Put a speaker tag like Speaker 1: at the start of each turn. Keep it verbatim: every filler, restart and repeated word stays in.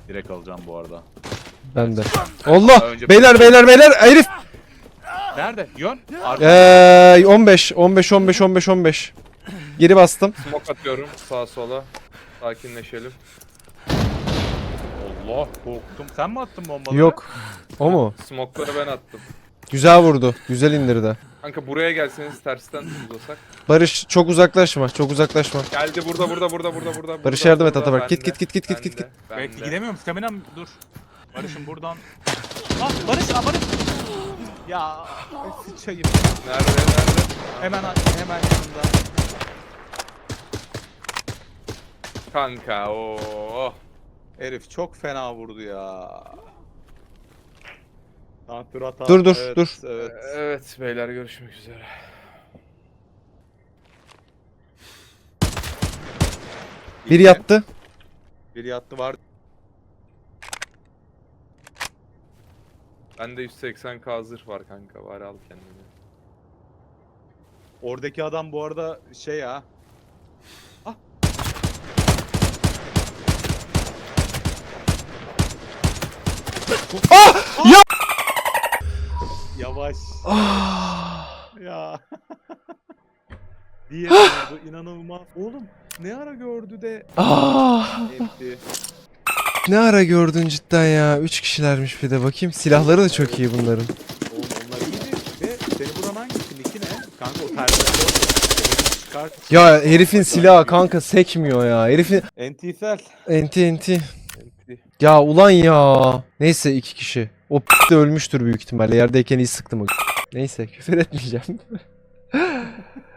Speaker 1: Direkt alacağım bu arada.
Speaker 2: Ben de. Allah!
Speaker 1: Önce-
Speaker 2: Beyler beyler beyler herif!
Speaker 1: Nerede? Yön. Arka.
Speaker 2: Eee on beş on beş on beş on beş on beş. Geri bastım.
Speaker 3: Smoke atıyorum sağa sola. Sakinleşelim.
Speaker 1: Allah korktum. Sen mi attın bombaları?
Speaker 2: Yok. O mu?
Speaker 3: Smoke'ları ben attım.
Speaker 2: Güzel vurdu. Güzel indirdi.
Speaker 3: Kanka buraya gelseniz tersten uzasak.
Speaker 2: Barış çok uzaklaşma. Çok uzaklaşma.
Speaker 3: Geldi burada burada burada burada burada.
Speaker 2: Barış
Speaker 3: burada,
Speaker 2: yardım et
Speaker 3: burada,
Speaker 2: Atabak. Git,
Speaker 3: bende,
Speaker 2: git, git, git, git, git,
Speaker 3: bende,
Speaker 1: Belki
Speaker 3: bende.
Speaker 1: gidemiyorum. Staminam dur. Barış'ım buradan. Lan Barış, aa Barış. Ya sıçayım.
Speaker 3: Nerede nerede?
Speaker 1: Hemen hemen yanında.
Speaker 3: Kanka ooo.
Speaker 1: Herif çok fena vurdu ya. Tamam, dur hata.
Speaker 2: Dur, dur,
Speaker 1: Evet,
Speaker 2: dur.
Speaker 1: Evet.
Speaker 3: Evet beyler görüşmek üzere.
Speaker 2: Biri yattı.
Speaker 1: Biri yattı var.
Speaker 3: Bende yüz seksen K zırh var kanka bari al kendini.
Speaker 1: Oradaki adam bu arada şey ya. Ah.
Speaker 2: Ah! Ya!
Speaker 1: Yavaş.
Speaker 2: Ah!
Speaker 1: Ya. Diye vurdu, inanılmaz. Oğlum ne ara gördü de
Speaker 2: Ah!
Speaker 1: etti.
Speaker 2: Ne ara gördün cidden ya. Üç kişilermiş bir de bakayım. Silahları da çok iyi bunların.
Speaker 1: Oğlum onlar iyiydi ve seni vuran hangisi? Niki ne? Kanka o terbiyeler çıkart.
Speaker 2: Ya herifin silahı kanka sekmiyor ya. Herifin
Speaker 1: Entisel.
Speaker 2: enti enti. Ya ulan ya. Neyse iki kişi. O p- de ölmüştür büyük ihtimalle. Yerdeyken iyi sıktım o. Neyse küfür etmeyeceğim.